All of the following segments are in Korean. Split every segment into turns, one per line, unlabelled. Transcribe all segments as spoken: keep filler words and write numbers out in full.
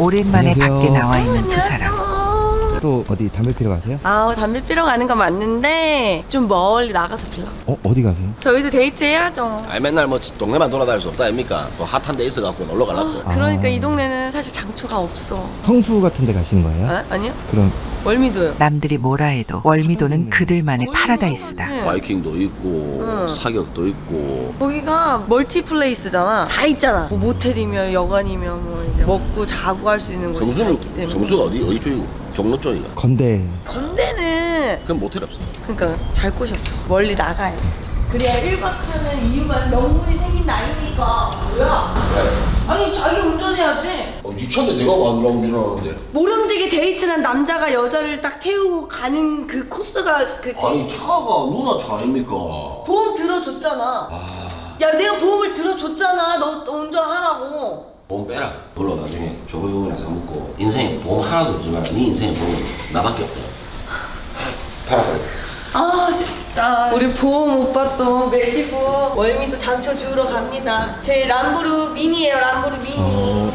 오랜만에
안녕하세요.
밖에 나와 있는 두 사람.
또 어디 담배 피러 가세요?
아, 담배 피러 가는 건 맞는데 좀 멀리 나가서 피려고.
어? 어디 가세요?
저희도 데이트 해야죠.
아 맨날 뭐 동네만 돌아다닐 수 없다 아닙니까? 또 핫한 데 있어갖고 놀러 가려고.
아, 그러니까
아.
이 동네는 사실 장초가 없어.
성수 같은 데 가시는 거예요?
아, 아니요?
그럼
월미도요.
남들이 뭐라 해도 월미도는 그들만의 파라다이스다.
네.
바이킹도 있고
응.
사격도 있고.
거기가 멀티플레이스잖아. 다 있잖아. 뭐 모텔이면 여관이면 뭐 이제 먹고 자고 할 수 있는 곳이 다
성수는
있기 때문에.
성수가 어디 어디 쪽이고? 종로 쪽이가.
건대.
건대는
그럼 모텔 없어.
그러니까 잘 곳이 없어. 멀리 나가야지. 그래야 일 박 하는 이유가 명분이 생긴 나이니까. 뭐야? 아니 자기 운전해야지.
어, 니 차인데 내가 왜 운전하는데?
모름지기 데이트는 남자가 여자를 딱 태우고 가는 그 코스가 그
아니 차가 누나 차 아닙니까?
보험 들어줬잖아.
아
야 내가 보험을 들어줬잖아. 너 운전하라고.
보험 빼라. 물론 나중에 조고용이나 사먹고 인생에 보험 하나도 없지만 네 인생에 보험 나밖에 없다. 팔아버려.
아 진짜 우리 보험 오빠 또 매시고 월미도 장초 주우러 갑니다. 제 람보르 미니예요. 람보르 미니.
어.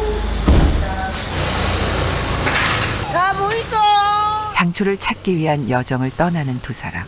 가 뭐 있어?
장초를 찾기 위한 여정을 떠나는 두 사람.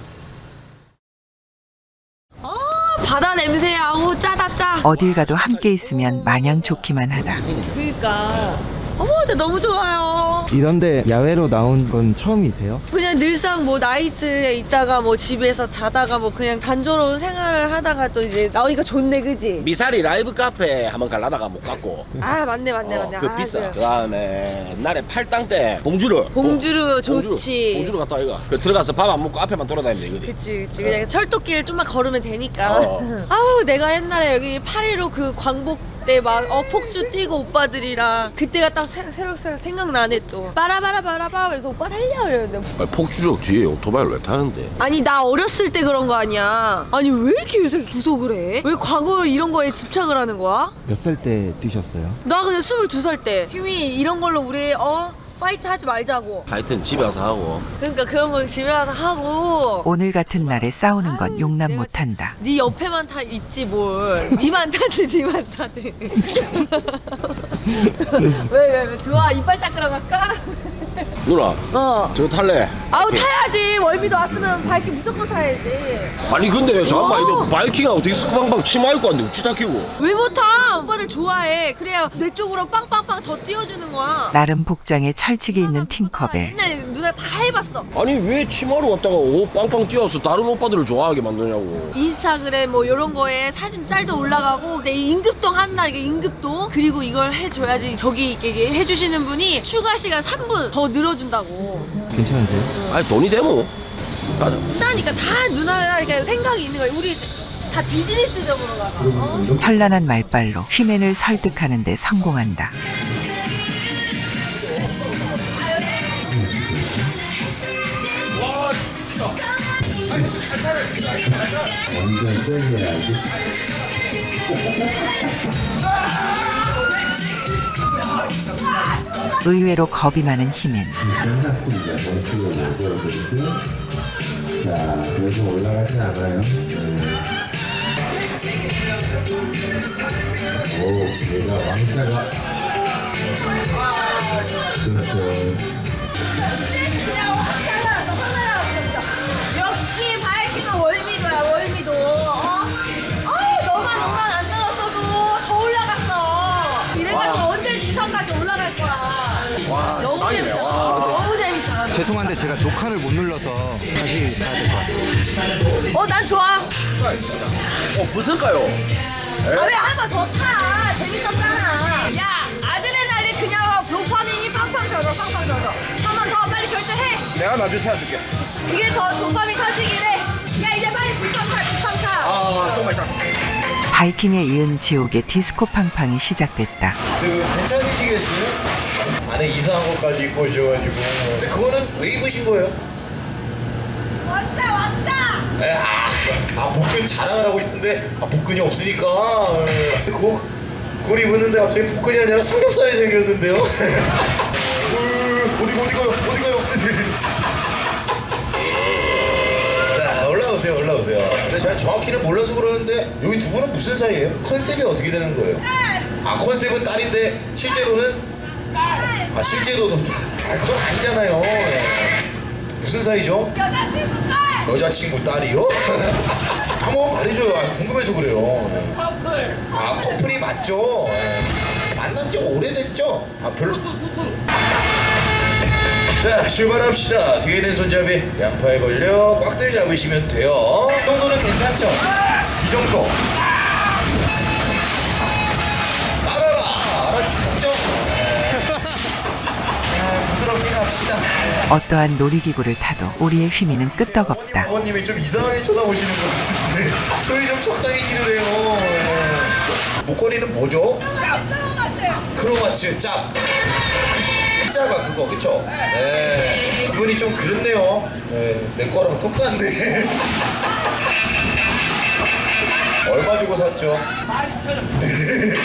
바다 냄새. 아우 짜다 짜.
어딜 가도 함께 있으면 마냥 좋기만 하다.
그러니까 어머 진짜 너무 좋아요.
이런데 야외로 나온 건 처음이세요?
그냥 늘상 뭐 나이트에 있다가 뭐 집에서 자다가 뭐 그냥 단조로운 생활을 하다가 또 이제 나오니까 좋네 그지?
미사리 라이브 카페 한번 갈라다가 못 갔고.
아 맞네 맞네
어,
맞네.
그
아,
비싸.
그래.
그 다음에 옛날에 팔당 때 봉주르.
봉주르
어,
좋지.
봉주르 갔다 이거. 그 들어가서 밥 안 먹고 앞에만 돌아다니면 되거든.
그치 그치 그냥 철도길 좀만 걸으면 되니까.
어.
아우 내가 옛날에 여기 팔일오 그 광복 때 막 어 폭주 뛰고 오빠들이랑 그때가 딱 새, 새록 새록 생각나네 또. 빠라바라 바라바 그래서 오빠 달려 이러는데
아니, 폭주족 뒤에 오토바이를 왜 타는데?
아니 나 어렸을 때 그런 거 아니야. 아니 왜 이렇게 요새 구속을 해? 왜 과거 이런 거에 집착을 하는 거야?
몇 살 때 뛰셨어요?
나 그냥 스물두 살 때 힘이 이런 걸로 우리 어 파이트 하지 말자고.
하여튼 집에 와서 하고.
그러니까 그런 거 집에 와서 하고.
오늘 같은 날에 싸우는 건
아유,
용납
내가
못한다.
네 옆에만 타 있지 뭘. 니만 타지 니만 타지. 왜왜 왜 좋아 이빨 닦으러 갈까?
누나
어.
저거 탈래?
아우 타야지. 월미도 왔으면 바이킹 무조건 타야지.
아니 근데 잠깐만
어.
이거 바이킹하고 디스크방방 치마 입고 왔는데 우치 다 끼고.
왜 못 타? 오빠들 좋아해. 그래야 내 쪽으로 빵빵빵 더 띄워주는 거야.
나름 복장에 철칙이 있는 팅커벨.
옛날에 누나 다 해봤어.
아니 왜 치마로 왔다가 옷 빵빵 띄워서 다른 오빠들을 좋아하게 만드냐고.
인스타그램 뭐 이런 거에 사진 짤도 올라가고 내 임급동 한다 이게 임급동 그리고 이걸 해줘야지 저기 이게 해주시는 분이 추가 시간 삼 분 더 늘어준다고.
괜찮으세요?
아니 돈이 되모. 가자.
그러니까 다 누나가 이렇게 생각이 있는 거야. 우리 다 비즈니스적으로 가봐. 어?
현란한 말발로 휘맨을 설득하는 데 성공한다. 의외로 겁이 많은 휘맨.
자, 그래서 올라가진 않아요. 네. 오, 얘가 왕자가. 그렇죠.
역시 바이킹은 월미도야 월미도. 어? 아 너만 너만 안 들었어도 더 올라갔어. 이래가지고 언제 지상까지 올라갈 거야. 너무 재밌다. 너무 재밌다.
죄송한데 제가 녹화를 못 눌러서 다시 가야 될 것 같아요.
어 난 좋아.
어 부술까요?
아 왜 한 번 더 타? 재밌었잖아. 야 아드레날린 그냥 도파민이 팡팡 터져 팡팡 터져. 한 번 더 빨리 결제해.
내가 나중에 태워줄게.
이게 더 도파민 터지긴 해. 야 이제 빨리 두팡 타 두팡 타.
아 조금만 있다.
바이킹에 이은 지옥의 디스코 팡팡이 시작됐다.
그 괜찮으시겠어요? 안에 이상한 것까지 입고 오셔가지고. 근데 그거는 왜 입으신 거예요?
왕자 왕자.
에, 아, 아 복근 자랑을 하고 싶은데 아, 복근이 없으니까. 에, 그거 그걸 입었는데 갑자기 복근이 아니라 삼겹살이 생겼는데요. 으, 어디 어디 가요? 어디 가요? 자, 올라오세요, 올라오세요. 근데 제가 정확히는 몰라서 그러는데 여기 두 분은 무슨 사이예요? 컨셉이 어떻게 되는 거예요? 아 컨셉은 딸인데 실제로는 아 실제로도 아 그건 아니잖아요. 예. 무슨 사이죠?
여자친구 딸!
여자친구 딸이요? 한번 말해줘요. 아, 궁금해서 그래요.
커플.
아 커플이 맞죠? 예. 만난 지 오래됐죠? 아 별로. 자 출발합시다. 뒤에 있는 손잡이 양파에 걸려 꽉들 잡으시면 돼요. 이 정도는 괜찮죠? 이 정도. 알아라 알았죠? 아, 부드럽게 갑시다.
어떠한 놀이기구를 타도 우리의 휘미는 끄떡없다.
아버님이 좀 이상하게 쳐다보시는 것 같은데 소리 좀 적당히 지르래요. 예. 목걸이는 뭐죠? 크로마츠 짭. 짭가 그거 그쵸? 네. 이분이 좀 그렇네요. 네. 내 거랑 똑같네. 얼마 주고 샀죠? 네.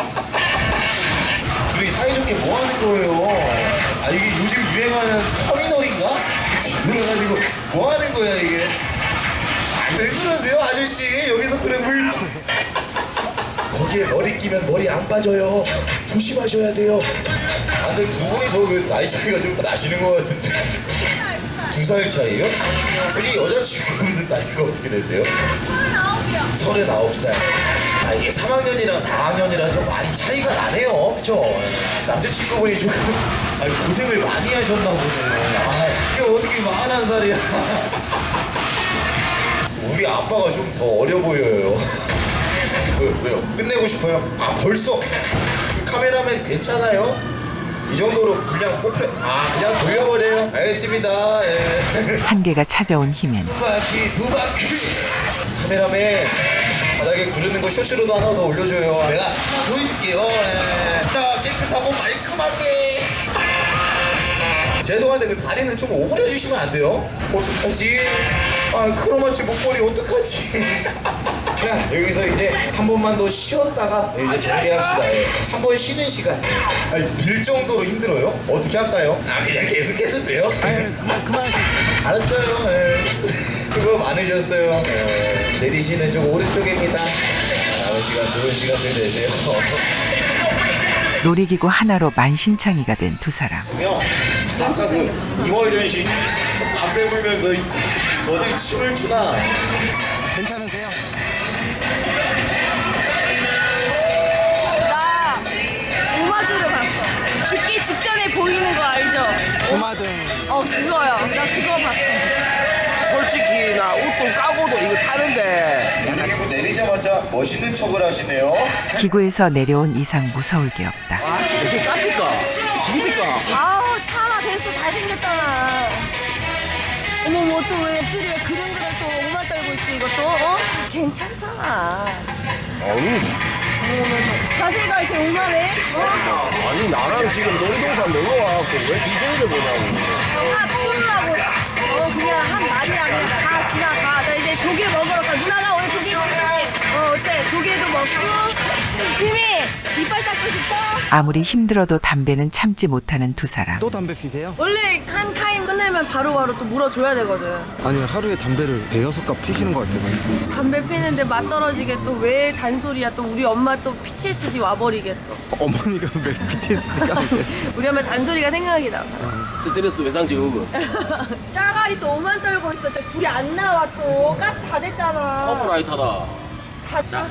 둘이 사이좋게 뭐 하는 거예요? 아 이게 요즘 유행하는 터미널인가? 들어가지고 뭐 하는 거야 이게? 아, 왜 그러세요 아저씨? 여기서 그래 물 거기에 머리 끼면 머리 안 빠져요. 조심하셔야 돼요. 아 근데 두 분이서 그 나이 차이가 좀 나시는 것 같은데 두 살 차이요? 혹시 여자친구분은 나이가 어떻게 되세요? 서른아홉 살. 아 이게 삼 학년이랑 사 학년이랑 좀 많이 차이가 나네요. 그쵸? 남자친구분이 조금 아, 고생을 많이 하셨나 보네. 아 이게 어떻게 마흔한 살이야. 우리 아빠가 좀 더 어려 보여요. 왜, 왜요? 끝내고 싶어요? 아 벌써? 카메라맨 괜찮아요? 이 정도로 분량 뽑혀 아 그냥 돌려버려요. 알겠습니다. 예.
한계가 찾아온 힘엔
두 바퀴 두 바퀴. 카메라맨 바닥에 구르는 거 쇼츠로도 하나 더 올려줘요. 내가 보여줄게요. 예. 자 깨끗하고 말끔하게. 죄송한데 그 다리는 좀 오므려 주시면 안 돼요? 어떡하지? 아 크로마치 목걸이 어떡하지? 자 여기서 이제 한 번만 더 쉬었다가 이제 정리합시다. 예. 한 번 쉬는 시간. 아니 빌 정도로 힘들어요? 어떻게 할까요? 아 그냥 계속 해도 돼요?
그만 그만.
알았어요. 예. 수고 많으셨어요. 예. 내리시는 쪽 오른쪽입니다. 남은 시간 좋은 시간들 되세요.
놀이기구 하나로 만신창이가 된 두 사람.
그러면 아까 그 이월전신 담배 불면서 이- 어디 춤을 추나?
괜찮으세요?
나 오마주를 봤어. 죽기 직전에 보이는 거 알죠?
주마등.
어 그거요. 나 그거 봤어.
솔직히 나 옷도 까고도 이거 타는데
그리고 내리자마자 멋있는 척을 하시네요.
기구에서 내려온 이상 무서울 게 없다.
아 진짜 이게 깝니까? 집입니까?
아우 차마 됐어 잘생겼잖아. 어머 뭐 또 왜 입술이 왜 그런 거를 또 오만 떨고 있지 이것도? 어? 괜찮잖아.
아니
자세가 이렇게 오만해? 어?
아니 나랑 지금 놀이동산 놀러 와갖고 왜 디제이를 보냐고.
아 뚫으라고. 어 그냥 한 말이야 그냥 다 지나가. 나 이제 조개 먹으러 가. 누나가 오늘 조개 먹을게. 어 어때? 조개도 먹고. 힘이 이빨 닦고 싶어?
아무리 힘들어도 담배는 참지 못하는 두 사람.
또 담배 피세요?
원래 한 타임 끝내면 바로바로 또 물어줘야 되거든.
아니 하루에 담배를 대여섯 갑 피시는 것 같아요.
담배 피는데 맛 떨어지게 또 왜 잔소리야. 또 우리 엄마 또 피티에스디 와버리게 또.
어머니가 왜 피티에스디가
우리 엄마 잔소리가 생각이 나서.
스트레스 외상 증후군.
짜가리 또 오만 떨고 있어. 또 불이 안 나와 또. 가스 다 됐잖아.
커브라이터다.
다.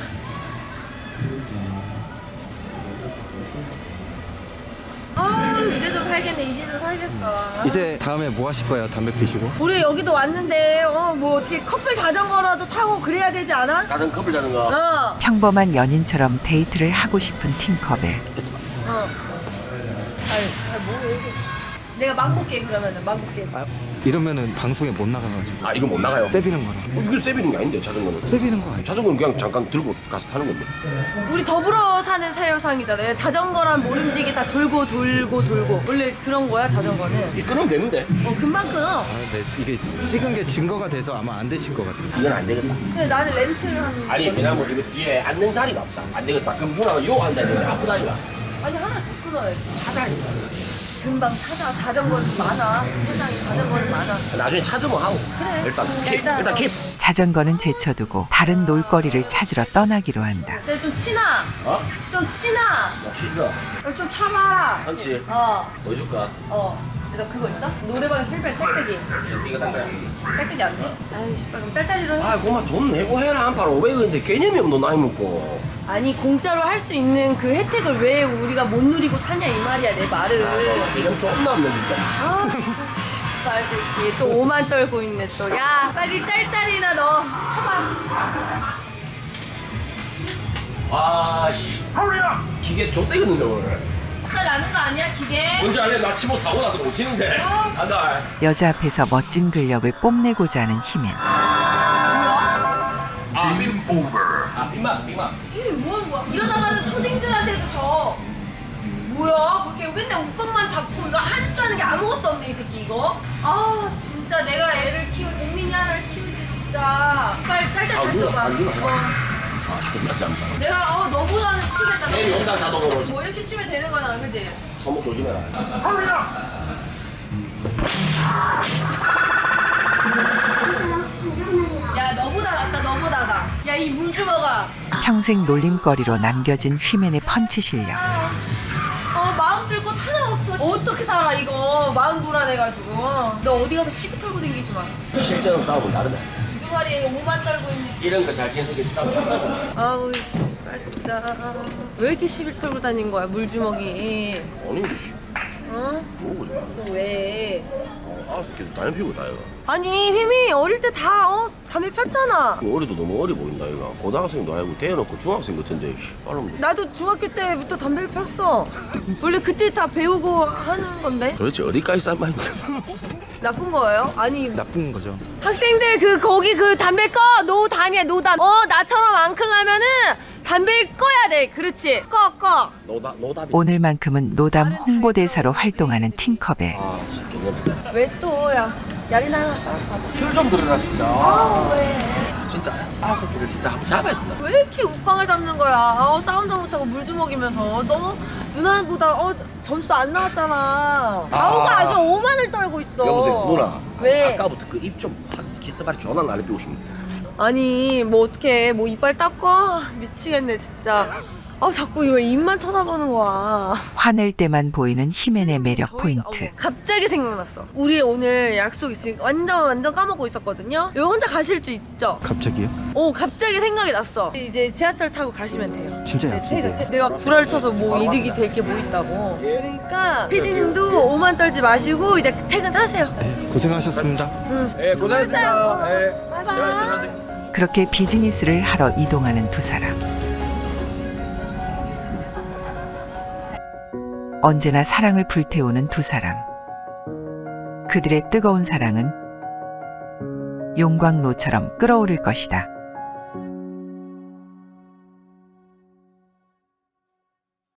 아 이제 좀 살겠네. 이제 좀 살겠어.
이제 다음에 뭐 하실 거예요? 담배 피시고?
우리 여기도 왔는데 어 뭐 어떻게 커플 자전거라도 타고 그래야 되지 않아?
자전 커플 자전거.
어.
평범한 연인처럼 데이트를 하고 싶은 팅커벨.
어. 아유 잘 뭐해 이게. 내가 막 볼게 그러면은 막 볼게.
아 이러면은 방송에 못 나가가지고
아 이거 못 나가요.
세비는 거라.
어, 이거 세비는 게 아닌데 자전거는.
세비는 거 아니야?
자전거는 그냥 잠깐 들고 가서 타는 건데.
우리 더불어 사는 사유상이잖아요. 자전거랑 모름지기 다 돌고 돌고 돌고. 원래 그런 거야 자전거는.
이 끊으면 되는데.
어 금방 끊어.
아 근데 이게 찍은 게 증거가 돼서 아마 안 되실 것 같아요.
이건 안 되겠다.
근데 나는 렌트를 한.
아니 왜냐면 이거 뒤에 앉는 자리가 없다. 안 되겠다. 그럼 누나가 요 앉아야 되는데 아프다니까.
아니 하나 더 끊어야지. 찾아니까. 금방 찾아. 자전거는 많아. 세상에 자전거는 많아.
나중에 찾으면 하고.
그래.
일단
야,
킵.
일단
일단
어.
킵.
자전거는 제쳐두고 다른 놀거리를 찾으러 떠나기로 한다.
쟤 좀 치나.
어?
좀 치나.
나 치즈가
어, 좀 쳐봐.
한치
어.
뭐 줄까?
어. 너 그거 있어? 노래방에 실패 땡땡이.
이거 딴
땡땡이 안 돼? 아이씨, 그럼 짤짤이로 해.
아 그만 돈 내고 해라. 한 판 오백 원인데 개념이 없노 나이 먹고.
아니 공짜로 할 수 있는 그 혜택을 왜 우리가 못 누리고 사냐 이 말이야 내 말은.
개념 존나 없네 진짜.
아 진짜 씨발 새끼 또 오만 떨고 있네 또. 야 빨리 짤짤이나 너 쳐봐.
아씨 기계 좆대겠는데 오늘.
살 나는 거 아니야 기계?
뭔지 알래? 나 치고 사고 나서 못 치는데. 간다.
여자 앞에서 멋진 근력을 뽐내고자 하는 히맨.
뭐야?
아, 빔 오버. 아, 빔막, 빔막.
이게 뭐 하는 거야? 이러다가는 초딩들한테도 져. 뭐야? 그렇게 맨날 오빠만 잡고 이거 하는 줄 아는 게 아무것도 없네 이 새끼 이거. 아 진짜 내가 애를 키워 재민이 하나를 키우지 진짜. 빨리 짤짤
아,
다시
누나,
써봐.
아, 누나.
어.
아, 존나 짬짬.
내가 어 너보다는 치겠다.
내일 온다 자동으로.
뭐 이렇게 치면 되는 거잖아, 그지?
손목 조심해라.
야 너보다 낫다, 너보다 나. 야 이 물주먹아.
평생 놀림거리로 남겨진 휘맨의 펀치 실력.
어 마음 들 곳 하나 없어. 어떻게 살아 이거? 마음 불안해가지고. 너 어디 가서 시비 털고 댕기지 마.
실제는 싸움은 다르다.
두두마리에 오만 떨고 있는.
이런 거 잘 치는 새끼 싸움 존나.
아우 씨발 진짜. 왜 이렇게 시비 털고 다닌 거야 물주먹이?
아니, 씨.
어?
뭐고 좀.
너 왜?
아, 새끼 담배 피우고 다 이거.
아니 휘미 어릴 때 다 어? 담배 폈잖아.
어리도 너무 어리 보인다 이거. 고등학생도 아니고 대놓고 중학생 같은데. 씨, 빠름.
나도 중학교 때부터 담배를 폈어. 원래 그때 다 배우고 하는 건데.
도대체 어디까지 싼 말인지.
나쁜 거예요? 아니
나쁜 거죠.
학생들 그 거기 그 담배 꺼 노담이야 노담. 어 나처럼 안 클라면은 담배를 꺼야 돼. 그렇지 꺼 꺼.
노다 노답이.
오늘만큼은 노담 홍보대사로 활동하는 팅커벨.
아, 개념.
왜 또야 야리나.
귤좀 들어라 진짜.
아 왜?
진짜 아 새끼를 진짜 한번 잡아야 된다.
왜 이렇게 우빵을 잡는 거야? 어, 싸움도 못하고 물주먹이면서 너 누나보다 어 점수도 안 나왔잖아. 가오가 아주 오만을 떨고 있어.
여보세요 누나.
왜?
아까부터 그 입 좀 키스발이 존나 날리고 싶네.
아니 뭐 어떡해 뭐 이빨 닦고 미치겠네 진짜. 아 자꾸 왜 입만 쳐다보는 거야.
화낼 때만 보이는 히맨의 매력
저희-
포인트.
어머, 갑자기 생각났어. 우리 오늘 약속 있으니까 완전 완전 까먹고 있었거든요. 여기 혼자 가실 수 있죠?
갑자기요?
오 갑자기 생각이 났어. 이제 지하철 타고 가시면 돼요.
진짜
네,
약속이에요?
퇴근, 퇴- 내가 구라를 쳐서 뭐 이득이 될 게 뭐 있다고. 그러니까 피디님도 오만 떨지 마시고 이제 퇴근하세요.
네, 고생하셨습니다.
예,
고생하셨습니다.
예.
바이바이.
그렇게 비즈니스를 하러 이동하는 두 사람. 언제나 사랑을 불태우는 두 사람. 그들의 뜨거운 사랑은 용광로처럼 끓어오를 것이다.